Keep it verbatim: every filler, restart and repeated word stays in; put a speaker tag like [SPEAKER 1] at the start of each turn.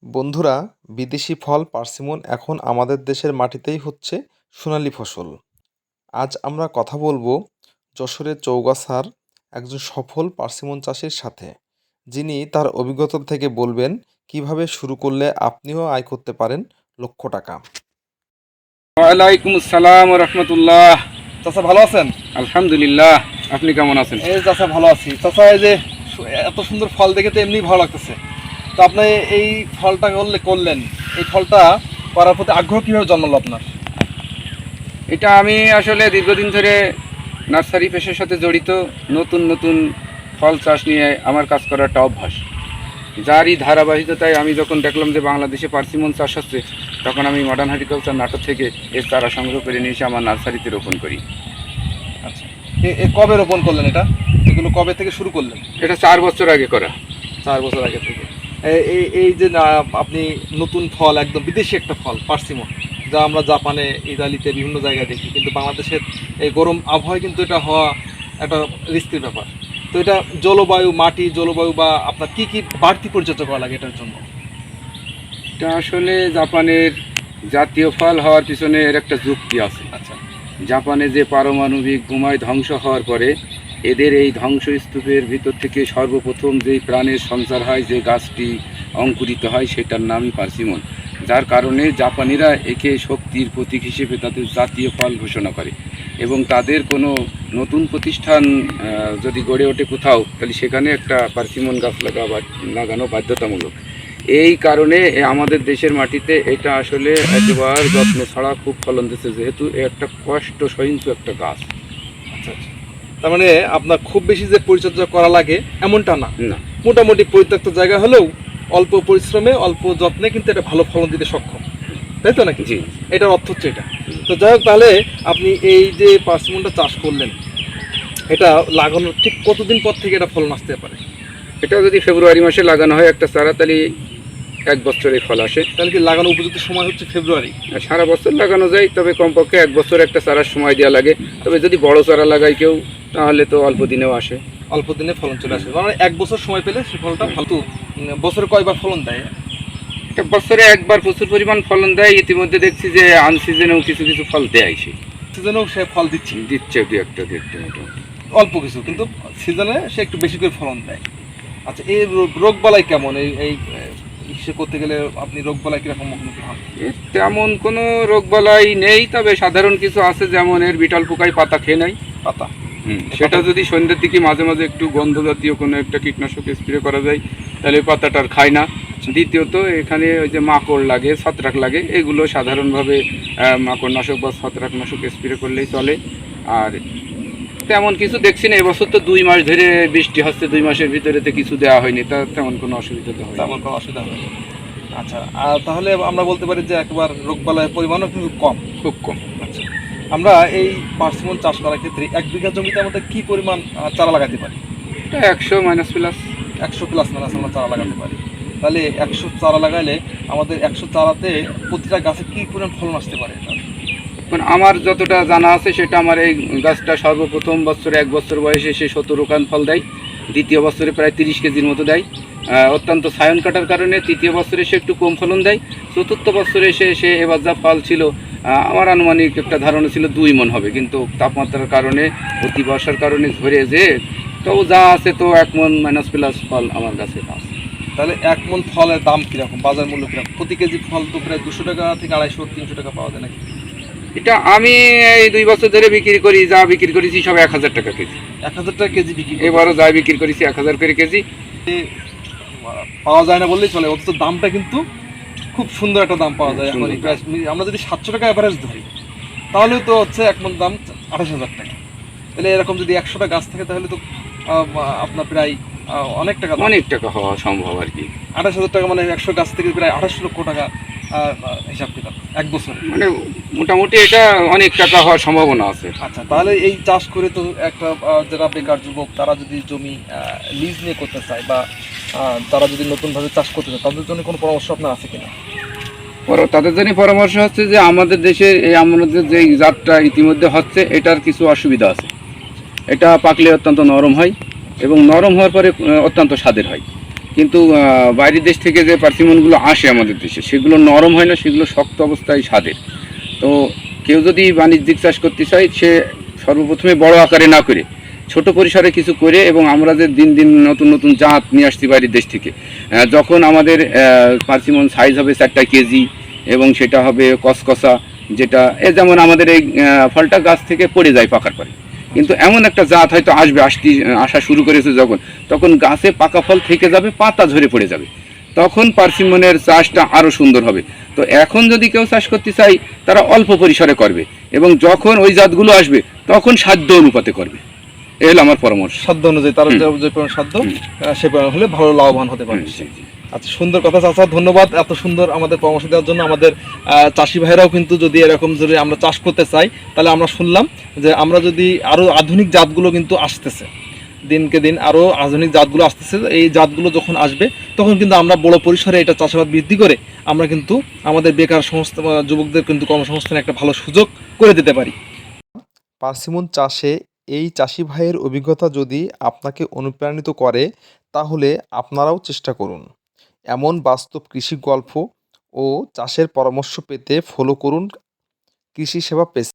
[SPEAKER 1] বন্ধুরা, বিদেশি ফল পার্সিমন এখন আমাদের দেশের মাটিতেই হচ্ছে সোনালী ফসল। আজ আমরা কথা বলবো যশোরের চৌগাছার একজন সফল পার্সিমন চাষির সাথে, যিনি তার অভিজ্ঞতা থেকে বলবেন কিভাবে শুরু করলে আপনিও আয় করতে পারেন লক্ষ টাকা।
[SPEAKER 2] ওয়ালাইকুম আসসালাম ওয়া রাহমাতুল্লাহ।
[SPEAKER 1] চাচা ভালো আছেন?
[SPEAKER 2] আলহামদুলিল্লাহ, আপনি কেমন আছেন?
[SPEAKER 1] এই চাচা ভালো আছি। চাচা এই যে সু- এত সুন্দর ফল দেখে তো এমনি ভালো লাগতেছে। তো আপনি এই ফলটা করলে করলেন, এই ফলটা করার প্রতি আগ্রহ কিভাবে জন্মালো আপনার?
[SPEAKER 2] এটা আমি আসলে দীর্ঘদিন ধরে নার্সারি পেশার সাথে জড়িত। নতুন নতুন ফল চাষ নিয়ে আমার কাজ করার একটা অভ্যাস, যারই ধারাবাহিকতায় আমি যখন দেখলাম যে বাংলাদেশে পার্সিমন চাষ হচ্ছে, তখন আমি মডার্ন হর্টিকালচার নাটক থেকে এর চারা সংগ্রহ করে নিয়ে এসে আমার নার্সারিতে রোপণ করি।
[SPEAKER 1] আচ্ছা, এ- এ কবে রোপণ করলেন এটা? এগুলো কবে থেকে শুরু করলেন?
[SPEAKER 2] এটা চার বছর আগে করা।
[SPEAKER 1] চার বছর আগে থেকে। এ- এই এই যে না, আপনি নতুন ফল, একদম বিদেশি একটা ফল পার্সিমন, যা আমরা জাপানে, ইতালিতে বিভিন্ন জায়গায় দেখি, কিন্তু বাংলাদেশের এই গরম আবহাওয়ায় কিন্তু এটা হওয়া একটা রিস্কের ব্যাপার। তো এটা জলবায়ু, মাটি, জলবায়ু বা আপনার কি কি বাড়তি পরিচর্যা করা লাগে এটার জন্য?
[SPEAKER 2] এটা আসলে জাপানের জাতীয় ফল হওয়ার পিছনে এর একটা যুক্তি আছে।
[SPEAKER 1] আচ্ছা।
[SPEAKER 2] জাপানে যে পারমাণবিক বোমায় ধ্বংস হওয়ার পরে এদের এই ধ্বংসস্তূপের ভিতর থেকে সর্বপ্রথম যেই প্রাণের সঞ্চার হয়, যে গাছটি অঙ্কুরিত হয়, সেটার নামই পার্সিমন, যার কারণে জাপানিরা একে শক্তির প্রতীক হিসেবে তাদের জাতীয় ফল ঘোষণা করে। এবং তাদের কোনো নতুন প্রতিষ্ঠান আহ, যদি গড়ে ওঠে কোথাও, তাহলে সেখানে একটা পার্সিমন গাছ লাগা লাগানো বাধ্যতামূলক। এই কারণে এ আমাদের দেশের মাটিতে এটা আসলে একেবারে যত্ন ছাড়া খুব ফলন দিচ্ছে, যেহেতু এ একটা কষ্ট সহিংসু একটা গাছ।
[SPEAKER 1] আচ্ছা আচ্ছা। তার মানে আপনার খুব বেশি যে পরিচর্যা করা লাগে এমনটা না,
[SPEAKER 2] না,
[SPEAKER 1] মোটামুটি পরিত্যক্ত জায়গা হলেও অল্প পরিশ্রমে, অল্প যত্নে কিন্তু এটা ভালো ফলন দিতে সক্ষম, তাই তো নাকি?
[SPEAKER 2] জি।
[SPEAKER 1] এটার অর্থ হচ্ছে এটা। তো যাই হোক, তাহলে আপনি এই যে পার্সিমনটা চাষ করলেন, এটা লাগানোর ঠিক কতদিন পর থেকে এটা ফলন আসতে পারে?
[SPEAKER 2] এটা যদি ফেব্রুয়ারি মাসে লাগানো হয় একটা চারা, তাহলে এক বছরে ফল আসে।
[SPEAKER 1] তাহলে কি লাগানো উপযুক্ত সময় হচ্ছে ফেব্রুয়ারি?
[SPEAKER 2] আর সারা বছর লাগানো যায়, তবে কমপক্ষে এক বছর একটা চারার সময় দেওয়া লাগে। তবে যদি বড় চারা লাগায় কেউ, তাহলে তো অল্প দিনেও আসে।
[SPEAKER 1] অল্প দিনে ফলন চলে আসে, মানে এক বছর সময় পেলে সে ফলটা ফালতু। বছরে কয়বার ফলন দেয়?
[SPEAKER 2] একটা বছরে একবার প্রচুর পরিমাণ ফলন দেয়। ইতিমধ্যে দেখছি যে আনসিজনেও কিছু কিছু ফল দেয়, সে
[SPEAKER 1] সিজনেও সে ফল দিচ্ছে,
[SPEAKER 2] দিচ্ছে দু একটা দু একটা মোটামুটি।
[SPEAKER 1] অল্প কিছু, কিন্তু সিজনে সে একটু বেশি করে ফলন দেয়। আচ্ছা, এই রোগ বালাই কেমন? এই এই হিসেবে করতে গেলে আপনি রোগ বালাই কিরকম মুখোমুখি হন?
[SPEAKER 2] এর তেমন কোনো রোগবালাই নেই, তবে সাধারণ কিছু আছে, যেমন এর বিটল পোকায় পাতা খেয়ে নেয়।
[SPEAKER 1] পাতা,
[SPEAKER 2] সেটা যদি সন্ধ্যের দিকে মাঝে মাঝে একটু গন্ধ জাতীয় কোনো একটা কীটনাশক স্প্রে করা যায়, তাহলে পাতাটা আর খায় না। দ্বিতীয়ত এখানে ওই যে মাকড় লাগে, ছত্রাক লাগে, এগুলো সাধারণভাবে আহ, মাকড়নাশক বা ছত্রাকনাশক স্প্রে করলেই চলে। আর তেমন কিছু দেখছি না। এবছর তো দুই মাস ধরে বৃষ্টি হচ্ছে, দুই মাসের ভিতরে তো কিছু দেওয়া হয়নি, তা তেমন কোনো অসুবিধা তো হয়
[SPEAKER 1] তেমন কোনো অসুবিধা হয় না। আচ্ছা, আর তাহলে আমরা বলতে পারি যে একবার রোগ বালাইয়ের পরিমাণও কিন্তু কম।
[SPEAKER 2] খুব কম।
[SPEAKER 1] আচ্ছা, আমরা এই পার্সিমন চাষ করার ক্ষেত্রে এক বিঘা জমিতে আমাদের কি পরিমাণ আহ, চারা লাগাতে পারি?
[SPEAKER 2] একশো মাইনাস প্লাস।
[SPEAKER 1] একশো প্লাস মাইনাস আমরা চারা লাগাতে পারি। তাহলে একশো চারা লাগাইলে আমাদের একশো চারাতে প্রতিটা গাছে কি পরিমাণ ফলন আসতে পারে এটা?
[SPEAKER 2] মানে আমার যতটা জানা আছে, সেটা আমার এই গাছটা সর্বপ্রথম বছরে এক বছর বয়সে সে সতেরো কান ফল দেয়, দ্বিতীয় বছরে প্রায় তিরিশ কেজির মতো দেয়। আহ, অত্যন্ত সায়ন কাটার কারণে তৃতীয় বছরে সে একটু কম ফলন দেয়। চতুর্থ বছরে সে সে এবার যা ফল ছিল, আহ, আমার আনুমানিক একটা ধারণা ছিল দুই মন হবে, কিন্তু তাপমাত্রার কারণে, অতি বর্ষার কারণে ঝরে যে, তো যা আছে তো এক মন মাইনাস প্লাস ফল আমার কাছে আছে।
[SPEAKER 1] তাহলে এক মন ফলের দাম কীরকম, বাজার মূল্য কীরকম? প্রতি কেজি ফল তো প্রায় দুশো টাকা থেকে আড়াইশো তিনশো টাকা পাওয়া যায় নাকি?
[SPEAKER 2] এটা আমি এই দুই বছর ধরে বিক্রি করি, যা বিক্রি করেছি সব এক হাজার টাকা কেজি।
[SPEAKER 1] এক হাজার টাকা কেজি বিক্রি করে?
[SPEAKER 2] এবারও যা বিক্রি করেছি এক হাজার করে কেজি।
[SPEAKER 1] পাওয়া যায় না বললেই চলে, অথচ দামটা কিন্তু খুব সুন্দর একটা দাম পাওয়া যায়।
[SPEAKER 2] সুন্দর
[SPEAKER 1] এখন প্রায় আমরা যদি সাতশো টাকা অ্যাভারেজ ধরি, তাহলেও তো হচ্ছে এক মন দাম আঠাশ হাজার টাকা। তাহলে এরকম যদি একশোটা গাছ থাকে, তাহলে তো আহ, আপনার প্রায় আহ, অনেক টাকা,
[SPEAKER 2] অনেক টাকা হওয়া সম্ভব আর কি।
[SPEAKER 1] আঠাশ হাজার টাকা, মানে একশো গাছ থেকে প্রায় আঠাশ লক্ষ টাকা আহ, আহ, হিসাব কিতাব এক বছরে।
[SPEAKER 2] মানে মোটামুটি এটা অনেক টাকা হওয়ার সম্ভাবনা আছে।
[SPEAKER 1] আচ্ছা, তাহলে এই চাষ করে তো একটা আহ, যারা বেকার যুবক, তারা যদি জমি লিজ নিয়ে করতে চায়, বা আহ, তারা যদি নতুনভাবে চাষ করতে চায়, তাদের জন্য কোনো পরামর্শ আপনার আছে কিনা?
[SPEAKER 2] পর- তাদের জন্য পরামর্শ হচ্ছে যে আমাদের দেশে এই আমাদের যে জাতটা ইতিমধ্যে হচ্ছে, এটার কিছু অসুবিধা আছে। এটা পাকলে অত্যন্ত নরম হয়, এবং নরম হওয়ার পরে আহ, অত্যন্ত স্বাদের হয়। কিন্তু আহ, বাইরের দেশ থেকে যে পার্সিমনগুলো আসে আমাদের দেশে সেগুলো নরম হয় না, সেগুলো শক্ত অবস্থায় স্বাদের। তো কেউ যদি বাণিজ্যিক চাষ করতে চায় সে সর্বপ্রথমে বড় আকারে না করে ছোট পরিসরে কিছু করে, এবং আমরা যে দিন দিন নতুন নতুন জাত নিয়ে আসছি বাইরের দেশ থেকে, আহ, যখন আমাদের পার্সিমন সাইজ হবে চারটা কেজি এবং সেটা হবে কসকসা, যেটা এ যেমন আমাদের এই আহ, ফলটা গাছ থেকে পড়ে যায় পাকার পরে, কিন্তু এমন একটা জাত হয়তো আসবে, আসতে আসা শুরু করেছে যখন, তখন গাছে পাকা ফল থেকে যাবে, পাতা ঝরে পড়ে যাবে, তখন পার্সিমনের চাষটা আরও সুন্দর হবে। তো এখন যদি কেউ চাষ করতে চাই তারা অল্প পরিসরে করবে, এবং যখন ওই জাতগুলো আসবে তখন সাধ্য অনুপাতে করবে। এই হলো আমার পরামর্শ।
[SPEAKER 1] সাধ্য অনুযায়ী তার
[SPEAKER 2] হুম।
[SPEAKER 1] যে যে পরিমাণ সাধ্য
[SPEAKER 2] হুম।
[SPEAKER 1] আহ, সে পরিমাণ হলে ভালো লাভবান হতে
[SPEAKER 2] হুম,
[SPEAKER 1] পারে।
[SPEAKER 2] জি, জি।
[SPEAKER 1] আচ্ছা, সুন্দর কথা চাচা, ধন্যবাদ এত সুন্দর আমাদের পরামর্শ দেওয়ার জন্য। আমাদের আহ, চাষি ভাইরাও কিন্তু যদি এরকম যদি আমরা চাষ করতে চাই, তাহলে আমরা শুনলাম যে আমরা যদি আরো আধুনিক জাতগুলো কিন্তু আসতেছে, দিনকে দিন আরো আধুনিক জাতগুলো আসতেছে, এই জাতগুলো যখন আসবে তখন কিন্তু আমরা বড় পরিসরে এটা চাষাবাদ বৃদ্ধি করে আমরা কিন্তু আমাদের বেকার সংস্থা যুবকদের কিন্তু কর্মসংস্থানের একটা ভালো সুযোগ করে দিতে পারি। পার্সিমন চাষে এই চাষি ভাইয়ের অভিজ্ঞতা যদি আপনাকে অনুপ্রাণিত করে, তাহলে আপনারাও চেষ্টা করুন। এমন বাস্তব কৃষি গল্প ও চাষের পরামর্শ পেতে ফলো করুন কৃষি সেবা পেজ।